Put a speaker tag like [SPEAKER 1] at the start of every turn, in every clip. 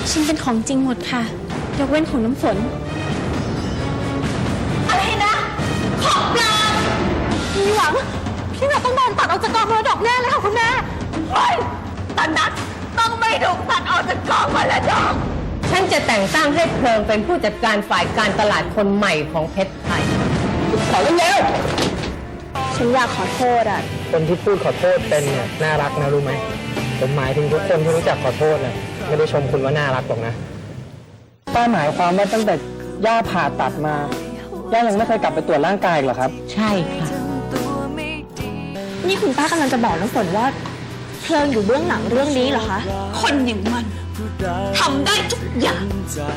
[SPEAKER 1] ฉันเป็นของจริงหมดค่ะยกเว้นของน้ำฝน
[SPEAKER 2] อะไรนะของปลอมพี่หวังพี่หวังต้องโดนตัดออกจากกองมรดกแน่เลยค่ะคุณแม่เฮ้ยตอนนั้นต้องไม่ถูกตัดออกจากกองมรดก
[SPEAKER 3] ฉันจะแต่งตั้งให้เพลิงเป็นผู้จัดการฝ่ายการตลาดคนใหม่ของเพชรไทย
[SPEAKER 4] ขอเร็ว
[SPEAKER 1] ฉันอยากขอโทษอ่ะ
[SPEAKER 4] คนที่พูดขอโทษเป็นเนี่ยน่ารักนะรู้ไหมผมหมายถึงทุกคนที่รู้จักขอโทษนะไม่ได้ชมคุณว่าน่ารักหรอกนะป้าหมายความว่าตั้งแต่ย่าผ่าตัดมาย่ายังไม่เคยกลับไปตรวจร่างกายหรอครับ
[SPEAKER 3] ใช่ค่ะ
[SPEAKER 1] นี่คุณป้ากำลังจะบอกน้ำฝนว่าเพลิงอยู่เบื้องหลังเรื่องนี้เหรอคะ
[SPEAKER 2] คนอย่างมันทำได้ทุกอย่าง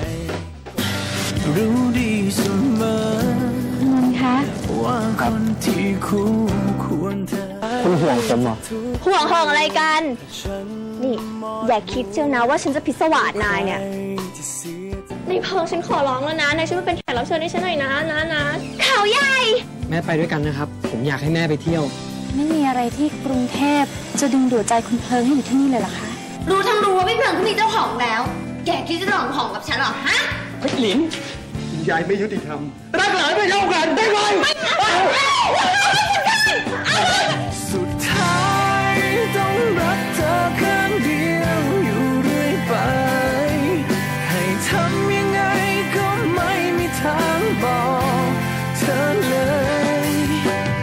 [SPEAKER 5] รู้ดีเสมอ
[SPEAKER 1] คุณคะ
[SPEAKER 5] ว่าคนที่คู่ควรเธอ
[SPEAKER 4] คุณห่วงผมเหรอ
[SPEAKER 1] ห่วงอะไรกันนี่อย่าคิดเชียวนะว่าฉันจะพิศวาสนายเนี่ยในเพลิงฉันขอร้องแล้วนะนายช่วยมาเป็นแขกรับเชิญให้ฉันหน่อยนะเขาใหญ่
[SPEAKER 4] แม่ไปด้วยกันนะครับผมอยากให้แม่ไปเที่ยว
[SPEAKER 1] ไม่มีอะไรที่กรุงเทพจะดึงดูดใจคุณเพลิงให้อยู่ที่นี่เลยเหรอคะ
[SPEAKER 2] รู้ทั้งรู้ว่าพี่เพลิงเขามีเจ้าของแล้วแกคิดจะลองของกับฉันหรอฮะ
[SPEAKER 4] เฮ้ยหลินยายไม่ยุติธรรมรักหลานไม่เท่ากันได้ไหม